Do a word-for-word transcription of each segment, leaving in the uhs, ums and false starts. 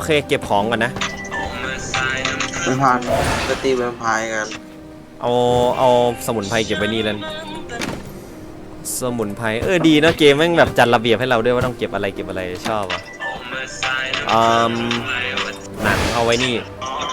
เคเก็บของก่อนนะไปพันไปตีแวมไพร์กันเอาเอาสมุนไพรเก็บไว้นี่แล้วสมุนไพรเออดีนะเกมแม่งแบบจัดระเบียบให้เราด้วยว่าต้องเก็บอะไรเก็บอะไรชอบอ่ะอืมหนังเอาไว้นี่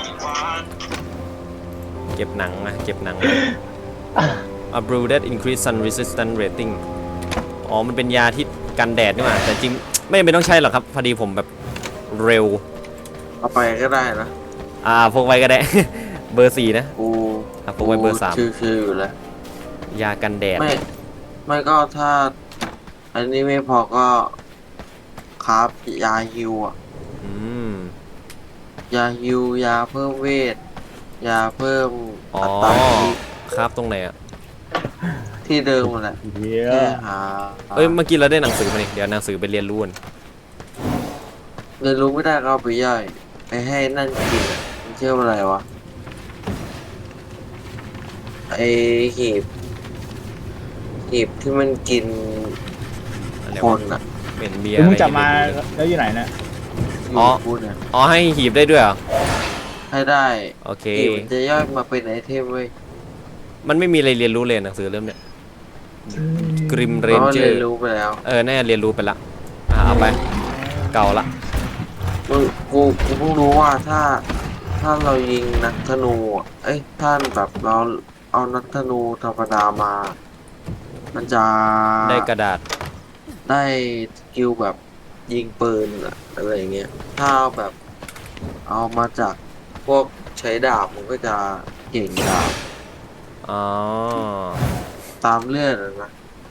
เก็บหนังนะเก็บหนัง A brew that increase sun resistant rating อ๋อมันเป็นยาที่กันแดดนี่หว่าแต่จริงไม่จำเป็นต้องใช้หรอกครับพอดีผมแบบเร็วเอาไปก็ได้นะอ่าพกไว้ก็ได้ เบอร์สี่นะกูอ่ะพกไว้เบอร์สามชื่อๆอยู่แล้วยากันแดดไม่ไม่ก็ถ้าอันนี้ไม่พอก็ครับยาฮิวอ่ะอืมยาฮิวยาเพิ่มเวทยาเพิ่มอ๋ออัตราที่ครับตรงไหนอ่ะที่เดิมแหละแค่หาเอ้ยเมื่อกี้เราได้หนังสือมาเนี่ยเดี๋ยวหนังสือไปเรียนรู้กันเรียนรู้ไม่ได้ก็เอาไปย่อยไปให้นั่นกินอ่ะมันชื่ออะไรวะไอหีบหีบที่มันกินคนอ่ะเป็นเบียร์มึงอะไรจับมาแล้วอยู่ไหนเนี่ยอ๋อพูดเนี่ยอ๋อให้หีบได้ด้วยเหรอให้ได้โอเคหีบมันจะย่อยมาเป็นไอเทมเว้ยมันไม่มีอะไรเรียนรู้เลยหนังสือเล่มเนี้ยกริมเรนเจอเรียร์นรู้ไปแล้วเออแน่เรียนรู้ไปละอ่าเอาไปเก่าละกูกูกูเพิ่งรู้ว่าถ้าถ้าเรายิงนักธนูอะเอ้ยท่านแบบเราเอานักธนูธรรมดามา มันจะได้กระดาษได้สกิลแบบยิงปืนอะอะไรเงี้ยถ้าเอาแบบเอามาจากพวกใช้ดาบมันก็จะเก่งดาบอ๋อตามเลือดอะนะ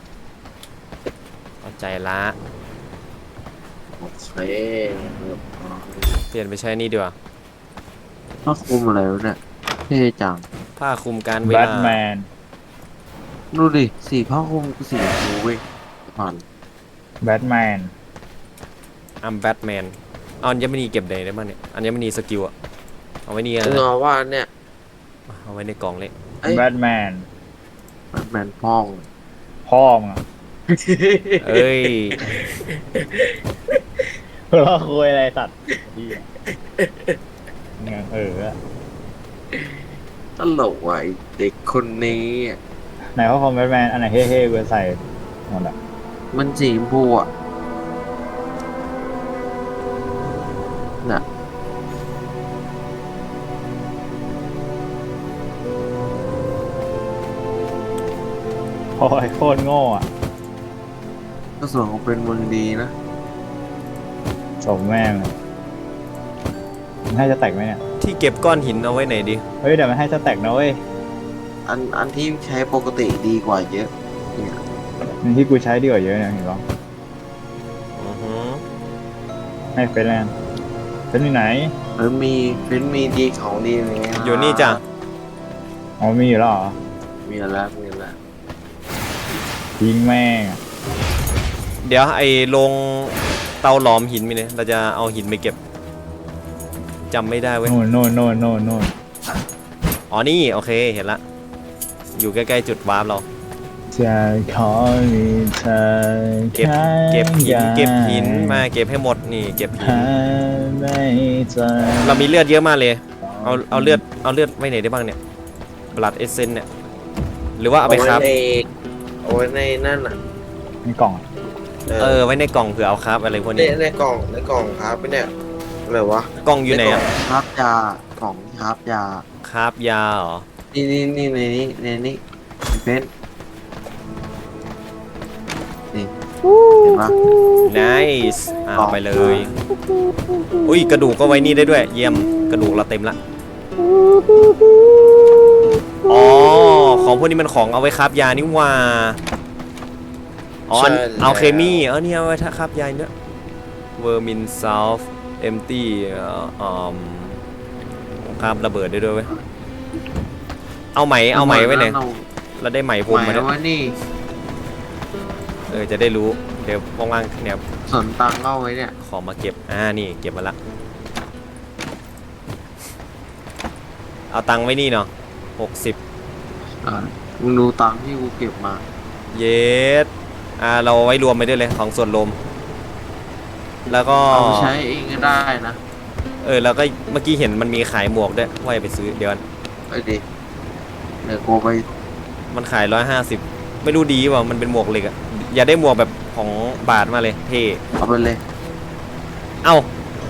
เข้าใจละโอเคเปลี่ยนไปใช้นี่ดีกว่าผ้าคลุมอะไรวะเนี่ยเท่จังผ้าคลุมการเวแบทลาแมนดูดิสีผ้าคลุมกูสีชมพูเว้ยผ่านแบทแมนอัมแบทแมนเอาอัญมณีเก็บไหนได้บ้างเนี่ยอัญมณีสกิลอะเอาไว้นี่นะเงาว่าเนี่ยเอาไว้ในกล่องเลยแบทแมนแบทแมนพ่องพ่อมึงอะเอ้ยเราคุยอะไรสัตว์ดีอะเงี้ยเออตลกว่ะไอ้เด็กคนนี้อะไหนพ่อคอมแบทแมนอันไหนเฮ่ๆเวอร์ใส่หมดอะมันสีชมพูอ่ะน่ะโอ้ยโคตรโง่อะก็ส่วนของเป็นเมืองดีนะสมแม่งเลยมันให้จะแตกไหมเนี่ยที่เก็บก้อนหินเอาไว้ไหนดีเฮ้ยเดี๋ยวมันให้จะแตกนะเว้ยอันอันที่ใช้ปกติดีกว่าเยอะเนี่ยอันที่กูใช้ดีกว่าเยอะเนี่ยเห็นปะอือฮึให้เฟรนแลนด์เป็นที่ไหนหรือมีเป็นมีดีของดีไหมอยู่นี่จ้ะอ๋อมีอยู่แล้วเหรอมีแล้วมีแล้วยิงแม่งเดี๋ยวไอ้ลงเตาหลอมหินมีเนี่ยเราจะเอาหินไปเก็บจำไม่ได้เว้ยโน่นโน่นโน่นโน่นโน่นอ๋อนี่โอเคเห็นละอยู่ใกล้ๆจุดวาร์ปเราจะขอมีเธอเก็บเก็บหินเก็บหินมาเก็บให้หมดนี่เก็บหินเรามีเลือดเยอะมากเลยเอาเอาเลือดเอาเลือดไว้ไหนได้บ้างเนี่ยบลัดเอเซนเนี่ยหรือว่าเอาไปครับเอาไว้ในนั่นอ่ะในกล่องเออไว้ในกล่องเผื่อเอาครับอะไรพวกนี้ในกล่องในกล่องครับเนี่ยอะไรวะกล่องอยู่ไหนอ่ะครับยาของครับยาครับยาเหรอนี่นี่นี่ในนี้ในนี้เป็นนี่เห็นปะ nice เอาไปเลยอุ้ยกระดูกก็ไว้นี่ได้ด้วยเยี่ยมกระดูกเราเต็มละอ๋อของพวกนี้มันของเอาไว้ครับยานี่ว่าอ๋อเอาเคมีเออเนี่ยเอาไว้ถ้าครับยาเนี่ยเวอร์มินซาลฟ์เอมตี้อ่าครับระเบิดได้ด้วยเว้ยเอาไหมเอาไหมไว้ไหนเราได้ไหมพรมมาด้วยนี่เออจะได้รู้เดี๋ยวว่างๆเนี่ยส่วนตังเอาไว้เนี่ยขอมาเก็บอ่านี่เก็บมาละเอาตังไว้นี่เนาะหกสิบอ่ามึงดูตังที่กูเก็บมาเยสอ่าเราไว้รวมไปด้วยเลยของส่วนรวมแล้วก็เอาใช้เองก็ได้นะเออแล้วก็เมื่อกี้เห็นมันมีขายหมวกด้วยว่าจะไปซื้อเดี๋ยวก่อนไอ้ดิเดี๋ยวกูไปมันขายร้อยห้าสิบไม่รู้ดีเปล่ามันเป็นหมวกเหล็กอะอย่าได้หมวกแบบของบาทมาเลยเท่เอาไปเลยเอ้า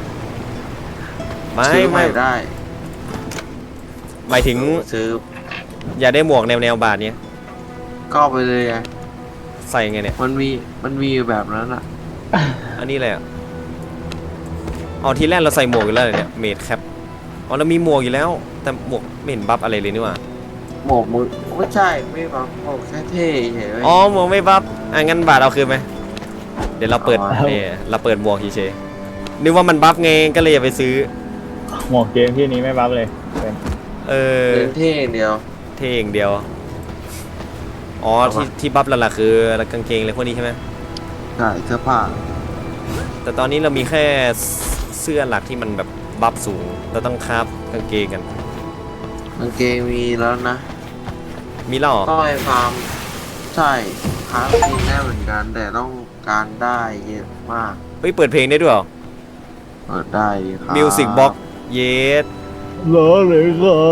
ไม่ซื้อใหไม่ม่ได้หมายถึงซื้ออย่าได้หมวกแนวแนวบาทเนี้ยก็เอาไปเลยไงใส่ไงเนี่ยมันมีมันมีอยู่แบบนั้นอ่ะอันนี้อะไรอ่ะเอาทีแรกเราใส่หมวกอยู่แล้วเหรอเนี่ยเมดแคปอ๋อเรามีหมวกอยู่แล้ว แต่หมวกไม่เห็นบัฟอะไรเลยนี่หว่าหมวกมึงไม่ใช่ไม่บังหมวกแค่เท่เฉยๆอ๋อหมวกไม่บัฟอ่ะงั้นบาทเอาคืนไหมเดี๋ยวเราเปิดเอาเนี่ยเราเปิดหมวกเฉยๆนึกว่ามันบัฟไงก็เลยอย่าไปซื้อหมวกเกมที่นี้ไม่บัฟเลยเป็นเออเล่นเท่อย่างเดียวเท่อย่างเดียว อ๋อเอาที่วะที่บัฟหลักๆคือกางเกงอะไรพวกนี้ใช่ไหมใช่เสื้อผ้าแต่ตอนนี้เรามีแค่เสื้อหลักที่มันแบบบัฟสูงเราต้องคราฟกางเกงกันกางเกงมีแล้วนะมีแล้วเหรอก็ไอ้ฟาร์มใช่หาจริงได้เหมือนกัน แต่ต้องการได้เยอะมากเฮ้ยเปิดเพลงได้ด้วยเหรอเปิดได้ครับมิวสิกบ็อกเยสเหรอเลยครับ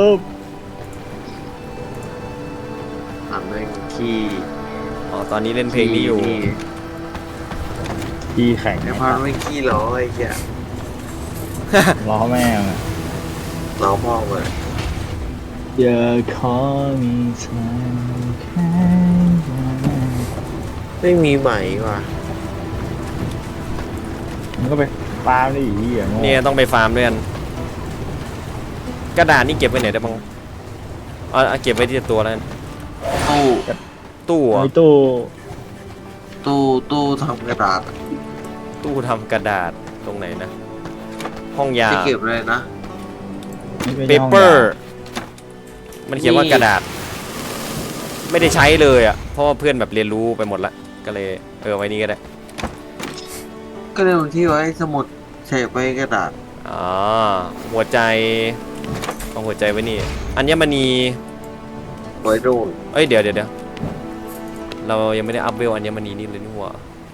ทำเป็นขี้อ๋อตอนนี้เล่นเพลงนี้อยู่ที่แข่งไอ้พันไม่ขี้เหรอไอ้เหี้ยล้อแม่งอะเราพ่อเลยอย่าขอมีเธอแค่ไหนไม่มีใหม่ว่ะมันก็ไปฟาร์มได้อีกอย่างเนี่ยต้องไปฟาร์มด้วยกันกระดาษนี่เก็บไว้ไหนได้บ้างเอาเอาเก็บไว้ที่ตัวแล้วกันตู้ตู้เหรอมีตู้ตู้ตู้ทำกระดาษอะตู้ทำกระดาษตรงไหนนะ ห้องยาจะเก็บเลยนะนี่ไม่เปใช่ห้องเปอร์ยามันเขียนว่ากระดาษ ไม่ได้ใช้เลยอ่ะ เพราะว่าเพื่อนแบบเรียนรู้ไปหมดละ ก็เลยเออไว้นี่ก็ได้ก็เลยบางที่ไว้สมุดเฉกไปกระดาษอ๋อ หัวใจเอาหัวใจไว้นี่ อัญมณีไว้ดูนเอ้ยเดี๋ยวเดี๋ยวเดี๋ยวเรายังไม่ได้อัพเวลอัญมณีนี่เลยนี่หว่า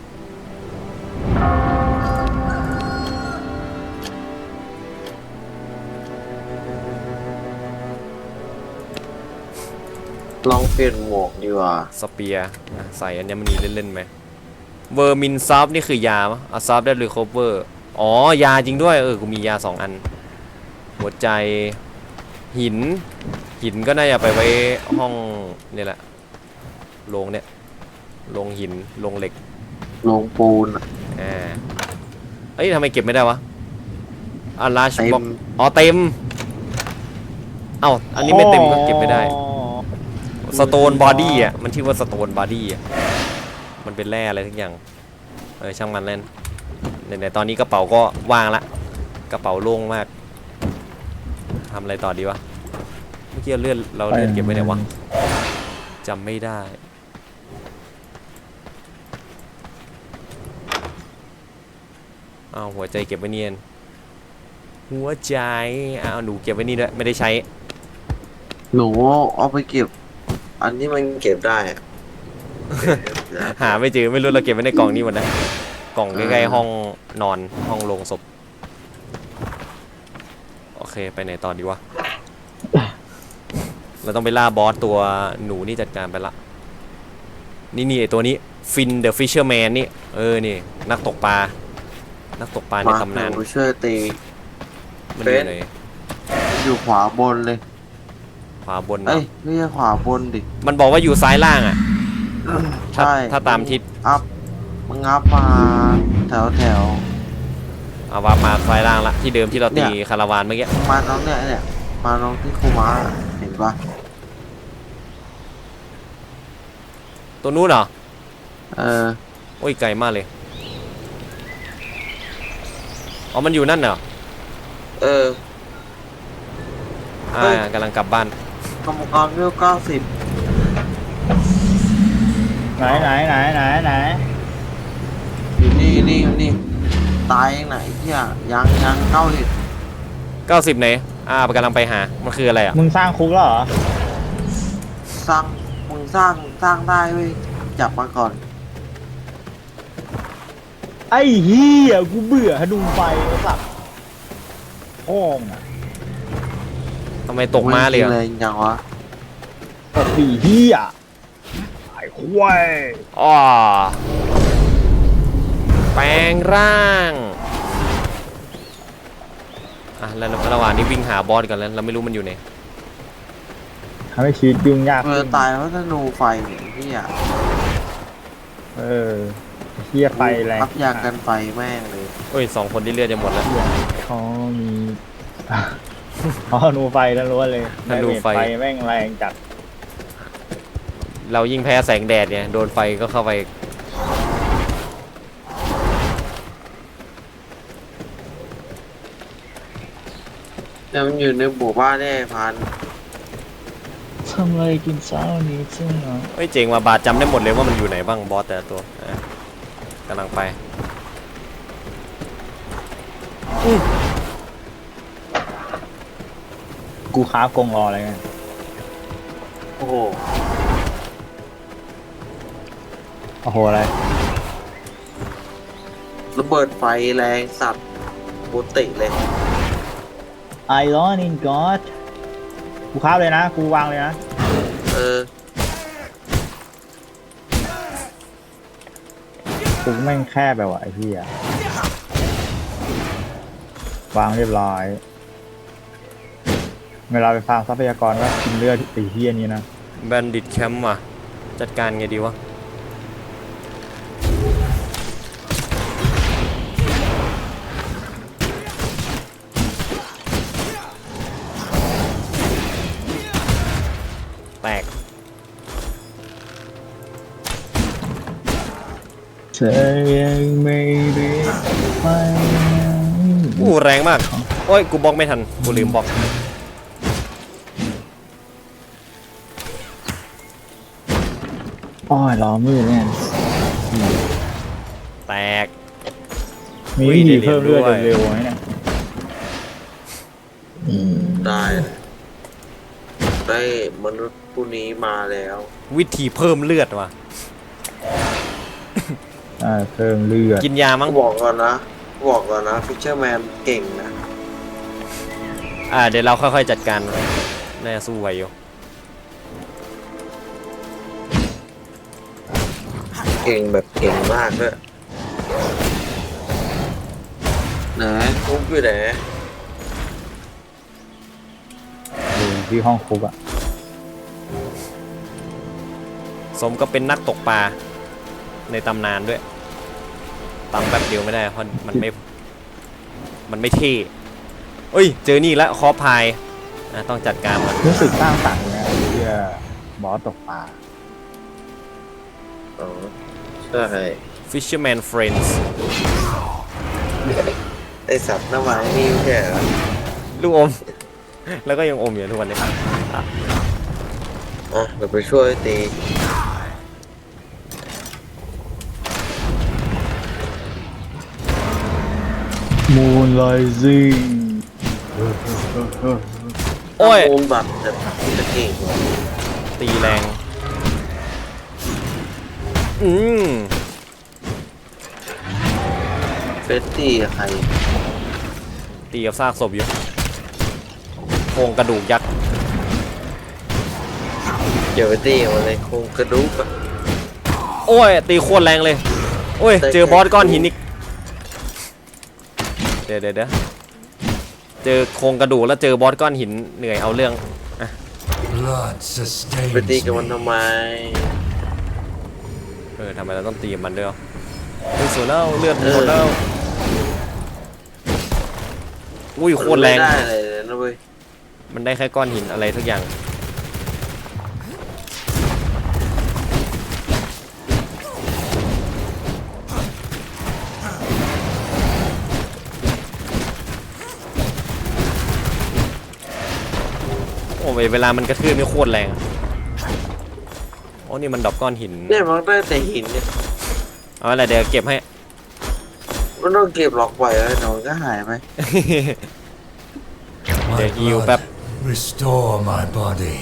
ลองเปลี่ยนหมวกดีกว่าสเปียร์อ่ะใส่อัญมณีเล่นๆไหมเวอร์มินซอฟนี่คือยามะอ่ะซอฟได้รีคอเวอร์อ๋อยาจริงด้วยเออกูมียาสองอัน หัวใจหิน หินก็น่าจะไปไว้ห้องนี่แหละโรงเนี่ยโรงหินโรงเหล็กลงปูนอะอ่าเอ้ยทำไมเก็บไม่ได้วะอ่ะลาชเต็บ็อกมอ๋อเต็มเอ้าอันนี้ไม่เต็มก็เก็บไม่ได้ สโตนบอดี้อ่ะมันชื่อว่าสโตนบอดี้อ่ะมันเป็นแร่อะไรทุกอย่างเออช่างมันเล่นไหนๆตอนนี้กระเป๋าก็ว่างละกระเป๋าโล่งมากทำอะไรต่อดีวะเมื่อกี้เลื่อนเราเลื่อนเก็บไว้ไหนวะจำไม่ได้อ้าวหัวใจเก็บไว้เนียนหัวใจอ้าวหนูเก็บไว้นี่ด้วยไม่ได้ใช้หนูเอาไปเก็บ อันนี้มันเก็บได้อะหาไม่เจอไม่รู้เราเก็บไว้ในกล่องนี้หมดนะกล่องใกล้ๆห้องนอนห้องโรงศพโอเคไปไหนต่อดีวะ เราต้องไปล่าบอสตัวหนูนี่จัดการไปละนี่นี่ไอตัวนี้ฟินเดอะฟิชเชอร์แมนนี่เออนี่นักตกปลานักตกปลาในมาตำนานหนูช่วยตีมันอยู่เป็นไหนอยู่ขวาบนเลยขวาบนเอ้เนาะยไม่ใช่ขวาบนดิมันบอกว่าอยู่ซ้ายล่างอ่ะถ้าใช่ถ้าตามทิศอัพมึงอัพมาแถวแถวเอาว่ามาซ้ายล่างละที่เดิมที่เราตีเนี่ยคาราวานเมื่อกี้มาน้องเนี่ยเนี่ยมาน้องที่ครูมาเห็นปะตัวนู้นเหรอเออโอ้ยไกลมากเลยอ๋อมันอยู่นั่นเหรอเอออ่าเฮ้ยกำลังกลับบ้านกรรมกรเวลเก้าสิบไหนไหนไหนไหนไหนอยู่นี่นี่อยู่นี่ตายยังไหนเที่ยยังยังเก้าสิบเก้าสิบไหนอ่ากำลังไปหามันคืออะไรอ่ะมึงสร้างคุกแล้วเหรอสร้างมึงสร้างสร้างได้เว้ยจับมาก่อนไอ้เหี้ยกูเบื่อฮะดูไฟไอ้สัสพ่องอ่ะทำไมตกมาเลยโอ้อะแรงจังวะตกสี่เฮียไอ้ควายอ๋อแปลงร่างอ่ะแล้วระหว่างนี้วิ่งหาบอสกันแล้วเราไม่รู้มันอยู่ไหนทำให้ชีวิตยุ่งยากเออตายเพราะธนูไฟเนี่ยที่อ่ะเออเฮียไฟแรงพับยากันไฟแม่งเลยเอ้ยสองคนที่เลือดจะหมดแล้วเขามี อ๋อธนูไฟล้วนๆเลยธนูไฟไฟแม่งแรงจัดเรายิ่งแพ้แสงแดดเนี่ยโดนไฟก็เข้าไปแล้วมันอยู่ในหมู่บ้านแน่พันทำอะไรกินเช้านี้ซึ่งเนาะเอ้ยเจ๋งว่ะบาสจำได้หมดเลยว่ามันอยู่ไหนบ้างบอสแต่ละตัวอ่ะกำลังไปกูค้าฟกรงรออะไรเงี้ยโอ้โหโอ้โหอะไรระเบิดไฟแรงสัตว์โคตรติเลย I run in God กูค้าฟเลยนะ กูวางเลยนะเออกูแม่งแคบไปว่ะไอ้เหี้ยวางเรียบร้อย เวลาไปฟาร์มทรัพยากรก็กินเลือดไอ้เหี้ยนี้นะแบนดิตแคมป์ว่ะจัดการไงดีวะแตกเธอยังไม่รีบไปอู้แรงมากโอ้ยกูบล็อกไม่ทันกูลืมบล็อกอ้อยล้อมือเนี่ยแตกมีอุ้ยวิธีได้เรียนเพิ่มเลือดด้วยเร็วๆไหมเนี่ยได้เลยได้มนุษย์ผู้นี้มาแล้ววิธีเพิ่มเลือดว่ะอ่าเพิ่มเลือดกินยามั้งบอกก่อนนะ บอกก่อนนะฟิชเชอร์แมนเก่งนะอ่าเดี๋ยวเราค่อยๆจัดการน่าจะสู้ไหวอยู่เก่งแบบเก่งมากด้วยไหนคุกอยู่ไหนอยู่ที่ห้องคุกอ่ะสมก็เป็นนักตกปลาในตำนานด้วยตำแป๊บเดียวไม่ได้เพราะมันไม่มันไม่เท่เอ้ยเจอนี่แล้วคอพายอ่ะต้องจัดการมันรู้สึกสร้างสรรค์นะไอ้เหี้ยบอสตกปลาอ๋อใช่ Fisherman Friends ไอสัตว์หน้าไม้นี่ไม่ใช่เหรอลูกอม แล้วก็ยังอมอยู่ทุกวันนี้อ่ะเดี๋ยวไปช่วยตีมูนไลซิ่งโอ้ยโอมบัตรแต่จะเก่งกว่าตีแรงอืมเฟสตี้กับใครตีกับซากศพอยู่โครงกระดูกยักษ์เดี๋ยวไปตีกับมันเลยโครงกระดูกอะโอ้ยตีโคตรแรงเลยโอ้ยเจอบอสก้อนหินอีกเดี๋ยวเดี๋ยวเดี๋ยวเจอโครงกระดูกแล้วเจอบอสก้อนหินเหนื่อยเอาเรื่อง Blood ไปตี sustains กับมัน me. ทำไมเออทำไมเราต้องตีกับมันด้วยวะเฮ้ยสวยแล้วเลือดหมดแล้วอุ้ยโคตรแรงมันไม่ได้อะไรเลยนะเว้ยมันได้แค่ก้อนหินอะไรทุกอย่างโอ้ยเวลามันกระทืบนี่โคตรแรงโอ้นี่มันดรอปก้อนหินเนี่ยมันได้แต่หินเนี่ยเอาอะไรเดี๋ยวเก็บให้มันต้องเก็บล็อกไว้แล้วเดี๋ยวมันก็หายไป My Yeah, you blood, pep- restore my body.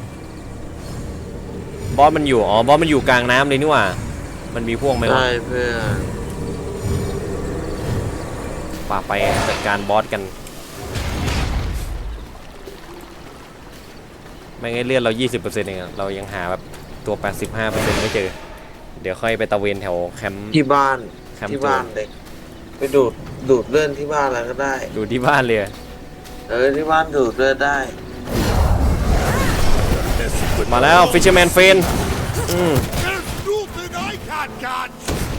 บอสมันอยู่อ๋อบอสมันอยู่กลางน้ำเลยนี่หว่ามันมีพวกไหมวะได้เพื่อนป่าไปจัดการบอสกันไม่งั้นเลือดเรา ยี่สิบเปอร์เซ็นต์ เองอะเรายังหาแบบตัว แปดสิบห้าเปอร์เซ็นต์ ไม่เจอ เดี๋ยวค่อยไปตะเวนแถวแคมป์ที่บ้านแคมป์ที่บ้านเลยไปดูดดูดเลือดที่บ้านแล้วก็ได้ดูที่บ้านเลยเออที่บ้านดูดเลือดได้มาแล้ว Fisherman Friend อืม There's nothing I can't catch.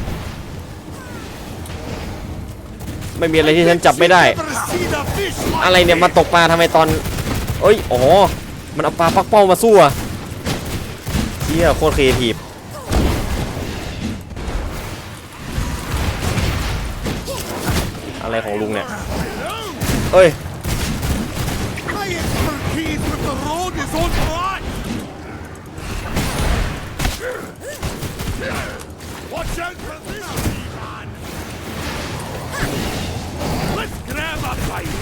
ไม่มีอะไรที่ฉันจับไม่ได้ Never seen a fish like อะไรเนี่ยมาตกปลาทำไมตอนเอ้ยอ๋อมันเอาปลาปักเป้ามาสู้อะเชี่ยโคตรครีเอทีฟอะไรของลุงเนี่ยเอ้ย My expertise with the road is on track. Watch out for this, man. Let's grab a bite.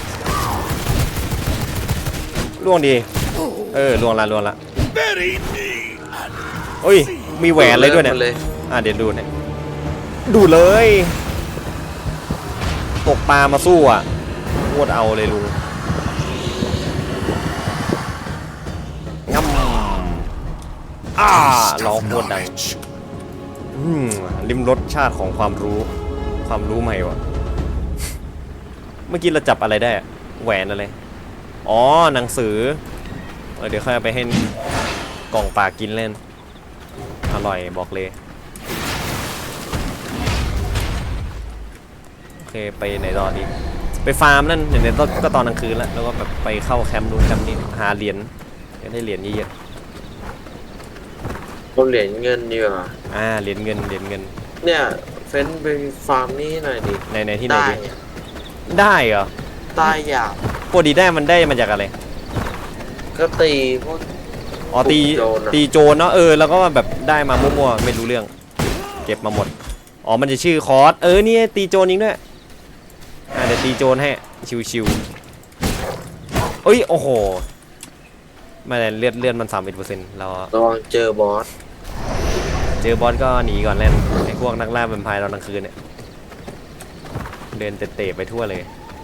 ล่วงดีเออล่วงละล่วงละ Bury me. เอ้ยมีแหวนเลยด้วยเนี่ยดูดลือดมาเลยอ่ะเดี๋ยวดูเนี่ยดูเลย ตกปลามาสู้อ่ะโคตรเอาเลยลุงงั้มอ่าร้องโคตรดังอืมลิ้มรสชาติของความรู้ ความรู้ใหม่วะเมื่อกี้เราจับอะไรได้อะแหวนอะไรอ๋อหนังสือเออเดี๋ยวค่อยเอาไปให้กล่องปลากินเล่นอร่อยบอกเลยโอเคไปไหนต่อดีไปฟาร์มนั่นเดี๋ยวก็ตอนกลางคืนแล้วแล้วก็แบบไปเข้าแคมป์นู้นแคมป์นี้หาเหรียญจะได้เหรียญเยอะคนเหรียญเงินดีกว่าๆอ่าเหรียญเงินเหรียญเงินเนี่ยเฟ้นไปฟาร์มนี่หน่อยดิในในที่ไหนได้ดีได้เหรอใต้หยาบปกติได้มันได้มาจากอะไรก็ตีพวกอ๋อตีโจรอะตีโจรเนาะเออแล้วก็แบบได้มามั่วๆไม่รู้เรื่องเก็บมาหมดอ๋อมันจะชื่อคอร์สเออนี่ตีโจรยิงด้วยอ่าเดี๋ยวตีโจรให้ชิวๆเอ้ยโอ้โหไมาแต่เลือดเลือดมันสามสิบเปอร์เซ็นต์เราระวังเจอบอสเจอบอสก็หนีก่อนเล่นไอ้พวกนักล่าแวมไพร์ตอนกลางคืนเนี่ยเดินเตะๆไปทั่วเลย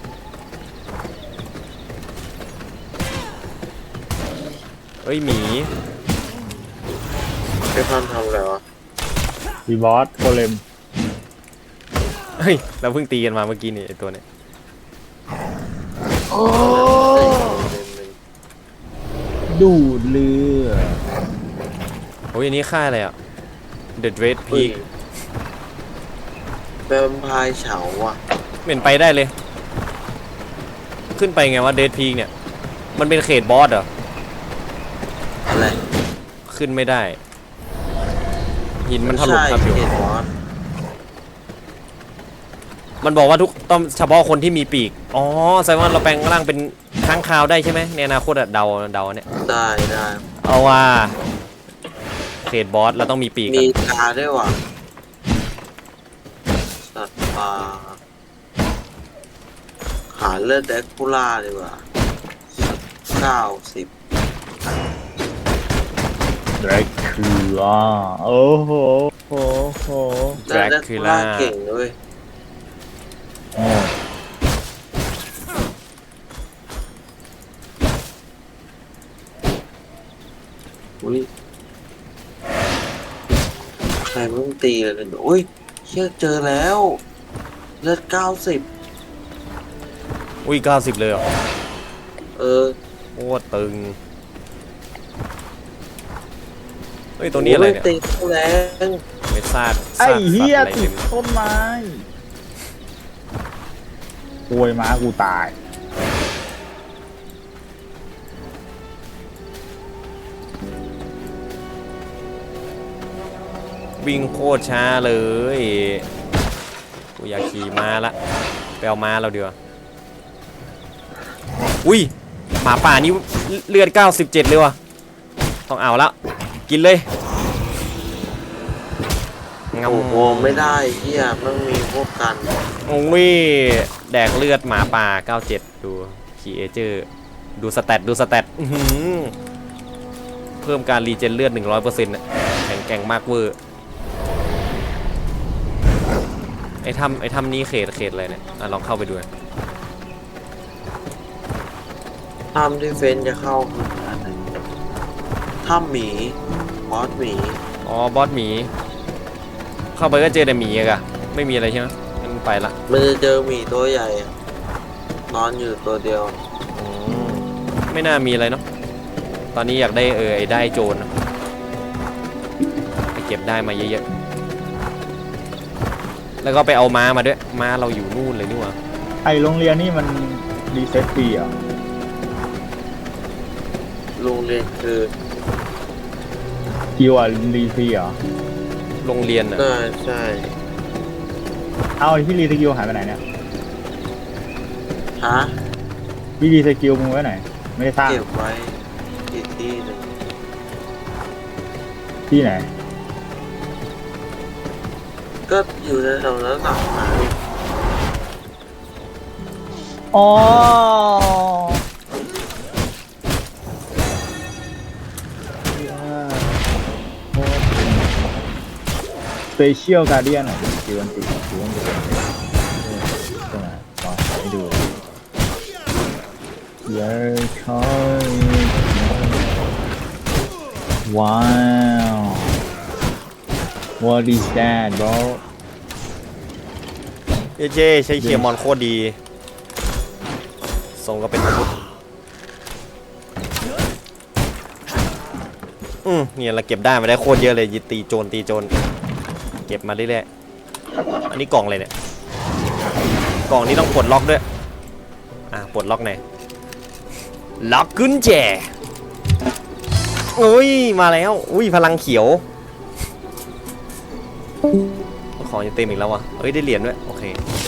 เอ้ยหมีไปพันทำอะไรวะดีบอสโกเลมเฮ้ยเราเพิ่งตีกันมาเมื่อกี้นี่ไอ้ตัวเนี้ยโอ้ดูดเลือดโอ้ยอันนี้ค่ายอะไรอ่ะ The Dread Peak แวมไพร์เฉาอ่ะเหม็นไปได้เลย ขึ้นไปไงว่า Dread Peak เนี่ยมันเป็นเขตบอสเหรออะไรขึ้นไม่ได้หินมันถล่มครับอยู่ใช่เห็นบอสมันบอกว่าทุกต้องเฉพาะคนที่มีปีกอ๋อแสดงว่าเราแปลงร่างเป็นค้างคาวได้ใช่ไหมในอนาคตอะเดาเดาเนี่ยได้ได้เอาว่าเขตบอสเราต้องมีปีกมีอะตาด้วยว่ะสัตว์ป่าหาเลือดแดกคูล่าดีกว่าเก้าสิบแดรกคูล่าโอ้โหโอ้โหแดรแดกคูคูล่าล่าเก่งด้วยโอ้อุ้ยใครมึงตีเลยเนี่ยอุ้ยเชื่อเจอแล้วเลือดเก้าสิบอุ้ยเก้าสิบเลยเหรอเออโคตรตึงเฮ้ยตัวนี้อะไรเนี่ยโตีเข้าแรงไม่ซาดไอ้ซากเฮียสัตว์อะไรติเต็ดมต้นไม้ปวยม้ากูตายวิ่งโคตรช้าเลยกูอยากขี่ม้าละไปเอาม้าเราเดียวาอุ้ยหมาป่านี่เลือดเก้าสิบเจ็ดเลยว่ะต้องเอาละกินเลยงโอ้โหไม่ได้เฮียมันมีพวกกันโอ้ยแดกเลือดหมาป่าเก้าสิบเจ็ดดูขี่เอเจอร์ดูสแตทดูสแตทอื้อหือเพิ่มการรีเจนเลือด หนึ่งร้อยเปอร์เซ็นต์ น่ะแข็งแกร่งมากเวอร์ไอ้ถ้ำไอ้ถ้ำนี้เขตเขตอะไรเนี่ยอ่ะลองเข้าไปดูนะทำที่เฟนจะเข้าคืออะไรถ้ำหมีบอสหมีอ๋อบอสหมี เข้าไปก็เจอแต่หมีอะไม่มีอะไรใช่ไหมงั้นไปละมันจะเจอหมีตัวใหญ่อะนอนอยู่ตัวเดียวอืมไม่น่ามีอะไรเนาะตอนนี้อยากได้เออไอ้ได้โจรอะไปเก็บได้มาเยอะๆแล้วก็ไปเอาม้ามาด้วยม้าเราอยู่นู่นเลยนี่หว่าไอโรงเรียนนี่มันรีเซ็ตฟรีเหรอ่ะโรงเรียนคือคิวอ่ะรีฟรีเหรอโรงเรียนอะน่าใช่เอาไอ้ที่รีสกิลหายไปไหนเนี่ยฮะที่รีสกิลมึงไว้ไหน ไม่ได้สร้างเก็บไว้อีกที่หนึ่งที่ไหนก็อยู่ในแถวนั้นหนักนะอ๋อสเปเชียลการเดียนอ่ะคิวอันติคิวอันติตรงไหนลองให้ดูเยอะคอยว้าว what is that bro เย้เจ้ใช้เคียร์มอนโคตรดีทรงก็เป็นอาวุธอืมเนี่ยเราเก็บได้มาได้โคตรเยอะเลยยิตีโจรตีโจรเก็บมาเรื่อยๆอันนี้กล่องอะไรเนี่ยกล่องนี้ต้องปลดล็อกด้วยอ่ะปลดล็อกไหนอยล็อกกุญแจอุ้ยมาแล้วอุ้ยพลังเขียวของจะเต็มอีกแล้ววะเอ้ยได้เหรียญด้วยโอเค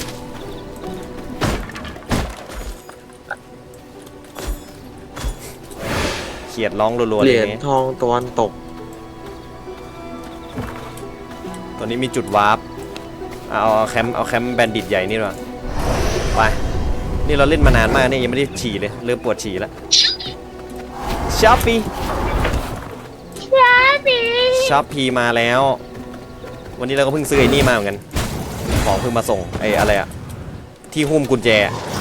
เขียดร้องรัวๆเหเลรียยญนี่ทองตะวันตกตอนนี้มีจุดวาร์ปเอาเอาแคมป์เอาแคมป์แบนดิตใหญ่นี่ดีกว่าไปนี่เราเล่นมานานมากนี่ยังไม่ได้ฉี่เลยเริ่มปวดฉี่แล้วช้อปปี้ช้อปปี้มาแล้ว วันนี้เราก็เพิ่งซื้อไอ้นี่มาเหมือนกันของเพิ่งมาส่งไอ้อะไรอะที่หุ้มกุญแจ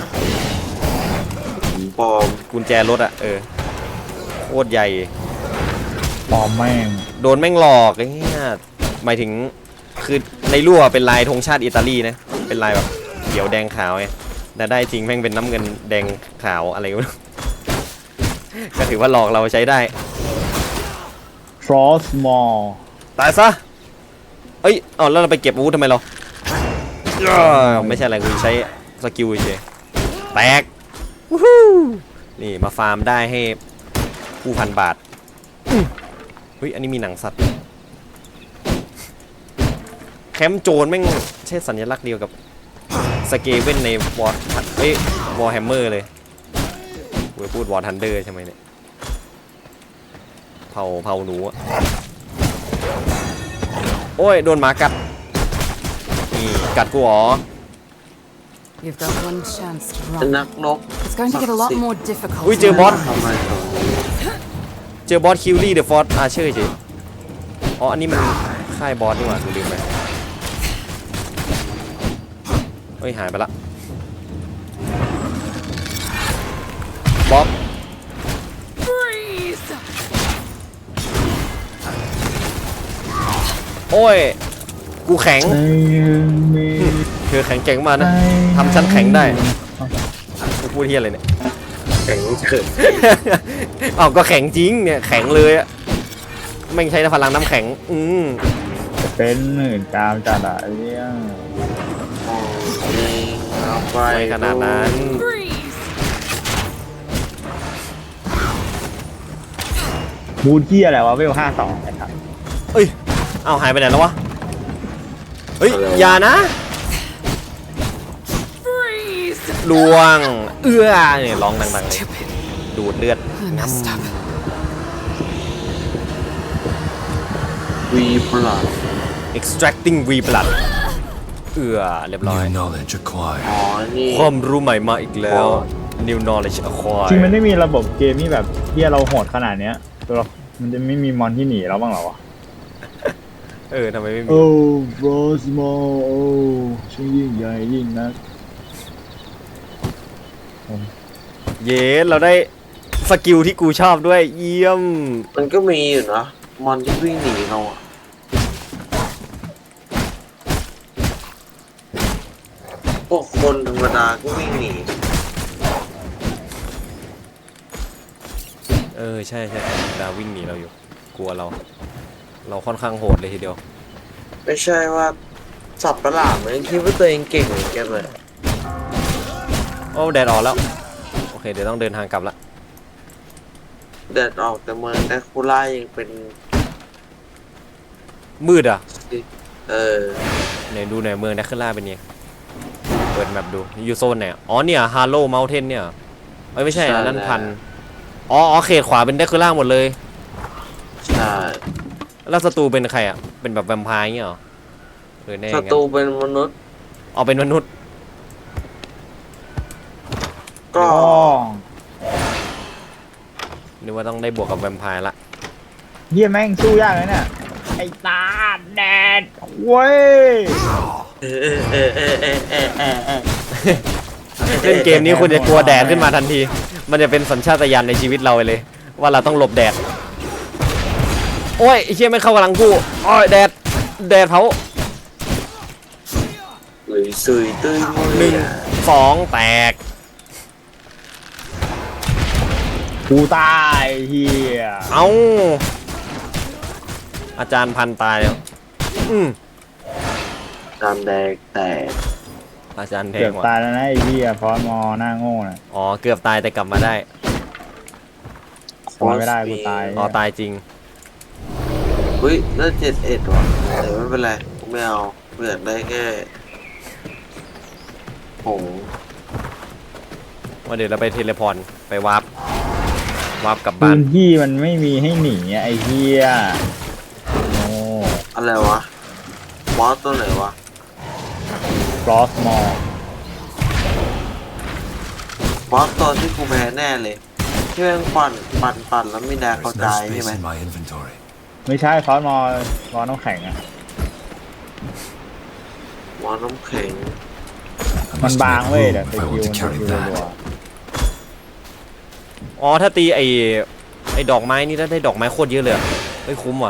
ปลอมกุญแจรถอะเออโคตรใหญ่ปลอมแม่งโดนแม่งหลอกไอ้เงี้ยหมายถึงคือในรั่วเป็นลายธงชาติอิตาลีนะเป็นลายแบบเขียวแดงขาวไงแต่ได้จริงแม่งเป็นน้ำเงินแดงขาวอะไรวะ ก็ถือว่าหลอกเราใช้ได้ฟรอสมอลตายซะเอ้ยเอาแล้วเราไปเก็บอาวุธทำไมเราอ้าวไม่ใช่อะไรกูใช้สกิลเฉยแตกวู้ฮู้นี่มาฟาร์มได้ให้ผู้พันบาทอื้อเฮ้ยอันนี้มีหนังสัตว์แคมป์โจรแม่งใช่สัญลักษณ์เดียวกับสเกเว่นในวอร์เอ้ยวอร์แฮมเมอร์เลยกูจะพูดวอร์ทันเดอร์ใช่ไหมเนี่ยเผาเผาหนูอะโอ้ยโดนหมากัดนี่กัดกูเหรอ You've got one chance to เป็น run. นักรบ It's going to get a lot more difficult. อุ้ยเจอบอสทำไมถึงเจอบอสคิวลี่เดอะฟอร์อาร์เชอร์เฉยอ๋ออันนี้มันค่ายบอสนี่หว่ากูลืมไปเฮ้ยหายไปละบ๊อบ Freeze! โอ้ยกูแข็งเธอแข็งเก่งมากนะทำฉันแข็งได้กูพูดเฮียอะไรเนี่ยแข็งเกิดอ้าวก็แข็งจริงเนี่ยแข็งเลยอะไม่งใช้พลังน้ำแข็งอืมจะเป็นหมื่นกามจัดอะเรื่องเอาไปไม่ขนาดนั้น Freeze! บูทที่อะไรวะเวลห้าสองนะครับเอ้ยเอาหายไปไหนแล้ววะเฮ้ยอย่านะ Freeze! ลวงเอื้อเนี่ยร้องดังๆเลยดูดเลือด I messed up. วีปลัด extracting V blood เอื้อเรียบร้อย New knowledge acquired. อ๋อ นี่ความรู้ใหม่มาอีกแล้ว new knowledge acquired จริงมันไม่มีระบบเกมที่แบบที่เราโหดขนาดเนี้ยตัวเรามันจะไม่มีมอนที่หนีเราบ้างเหรอวะเออทำไมไม่มีโอ้ฟรอสมอลโอ้ช่างยิ่งใหญ่ยิ่งนักเย้เราได้สกิลที่กูชอบด้วยเยี่ยมมันก็มีอยู่นะมอนที่วิ่งหนีเราอะพวกคนธรรมดาก็วิ่งหนีเออใช่ใช่ดาวิ่งหนีเราอยู่กลัวเรา เราค่อนข้างโหดเลยทีเดียวไม่ใช่ว่าสับประหลาดมันคิดว่าตัวเองเก่งเหมือนกันเลยโอ้แดดออกแล้ว โอเค เดี๋ยวต้องเดินทางกลับละแดดออกแต่เมืองแดคูล่ายังเป็นมืดอ่ะเออไหนดูหน่อยเมืองแดคเคล่าเป็นไงเปิดแมปดูอยู่โซนไหนอ๋อเนี่ยฮาร์โลเมลเทนเนี่ยเอ้ยไม่ใช่อันนั้นพันอ๋ออ๋อเขตขวาเป็นแดคเคล่าหมดเลยใช่แล้วศัตรูเป็นใครอ่ะเป็นแบบแวมไพร์เงี้ยเหรอเออแน่ศังั้นตรูเป็นมนุษย์อ๋อเป็นมนุษย์ก็อ๋อนึกว่าต้องได้บวกกับแวมไพร์ละเฮียแม่งสู้ยากเลยเนี่ยไอ้ตาแดดเว้ยเออเออเออเออเออเออเออเล่นเกมนี้คุณจะกลัวแดดขึ้นมาทันที มันจะเป็นสัญชาตญาณในชีวิตเราไปเลย ว่าเราต้องหลบแดดโอ้ยไอ้เชี่ยไม่เข้ากำลังกูโอ้ยแดดแดดเผาหรือซุยตุ้ยมุยหนึ่งสองแตกกูตายเฮียเอาอาจารย์พันตายแล้วอืมตามแดงแต่อาจารย์แทเกืงอบว่ะตายแล้วนะไอ้เฮียฟอนมอหน้าโง่น่ะอ๋อเกือบตายแต่กลับมาได้ทำไมไม่ได้กูตายอ๋อตายจริงเฮ้ยน่าเจ็ดเอ็ดว่ะแต่ไม่เป็นไรกูไม่เอากูอยากได้แค่ผงว่าเดี๋ยวเราไปเทเลพอร์ตไปวาร์ปวาร์ปกลับพื้บ้านนที่มันไม่มีให้หนีอะไอ้เฮียโง่อะไรวะบอสตัวไหนวะฟลอสมอบอสตัวที่กูแพ้แน่เลยที่แม่งปั่นปั่นปั่นแล้วไม่แดก There เข้า is ใจ no ใช่ space ไหม in my inventory. ไม่ใช่ฟลอสมอฟลอสน้ำแข็งอะบอสน้ำแข็ง I มัน must บาง make เว้ย room แต่ if ส I กิล want to มัน carry สกิลรัว that. อ๋อถ้าตีไอไอดอกไม้นี่ถ้าได้ดอกไม้โคตรเยอะเลยอะไม่คุ้มว่ะ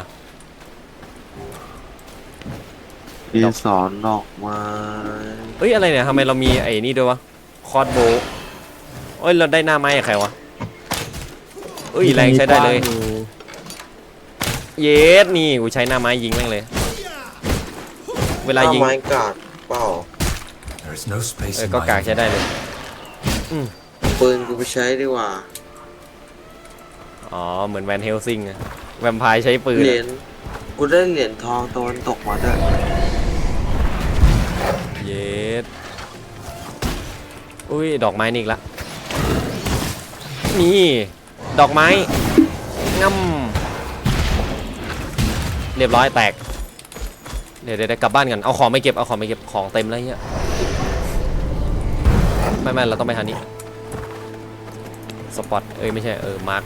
มีสอนดอกไม้เอ้ยอะไรเนี่ยทำไมเรามีไอ้นี่ด้วยวะคอร์ดโบว์เอ้ยเราได้หน้าไม้กับใครวะเอ้ยแรงใช้ได้เลย เยสนี่กูใช้หน้าไม้ยิงแม่งเลย เวลายิงไม้กาดเปล่า There is no space เออ in ก็ my กากใช้ได้เลยปืนกูไปใช้ดีกว่าอ๋อเหมือนแวนเฮลซิงอะแวมไพร์ใช้ปืนเหรีอะยญกูได้เหรียญทองตะวันตกมาด้วยเยสอุ้ยดอกไม้นี่อีกละนี่ดอกไม้ง่ำเรียบร้อยแตกเดี๋ยวเดี๋ยวกลับบ้านกันเอาของไม่เก็บเอาของไม่เก็บของเต็มแล้วเนี่ยไม่ไม่เราต้องไปทางนี้สปอตเอ้ยไม่ใช่เออมาร์ค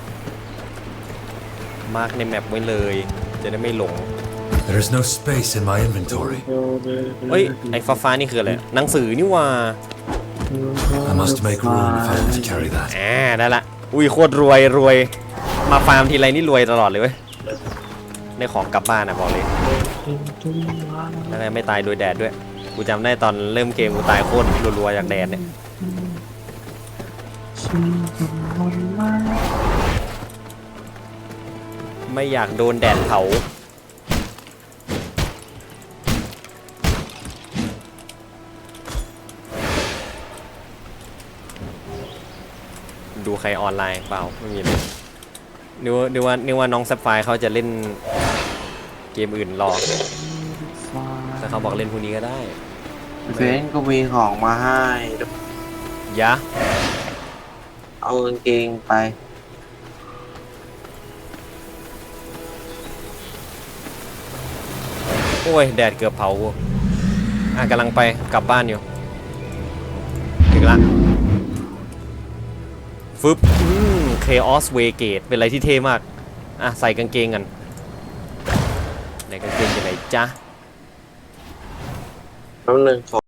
มาร์คในแมปไว้เลยจะได้ไม่หลง There is no space in my inventory. เฮ้ยไอ้ฟ้าฟ้าๆนี่คืออะไรหนังสือนี่ว่า I must make room if I want to carry that. อ่าได้ละอุ้ยโคตรรวยรวยมาฟาร์มทีไรนี่รวยตลอดเลยเว้ยได้ของกลับบ้านนะบอกเลยแล้วก็ไม่ตายโดยแดดด้วยกูจำได้ตอนเริ่มเกมกูตายโคตรรัวๆจากแดดเนี่ยไม่อยากโดนแดดเผาดูใครออนไลน์เปล่าไม่มีเลยนึกว่านึกว่านึกว่าน้องแซฟไฟร์เขาจะเล่นเกมอื่นรอแต่เขาบอกเล่นพวกนี้ก็ได้เฟนก็มีของมาให้ยะเอากางเกงไปโอ้ยแดดเกือบเผากูอ่ะกำลังไปกลับบ้านอยู่ถึงละฟึบอืม Chaos Waygate เป็นอะไรที่เท่มากอ่ะใส่กางเกงกันไหนกางเกงอยู่ไหนจ๊ะแป๊บนึงขอ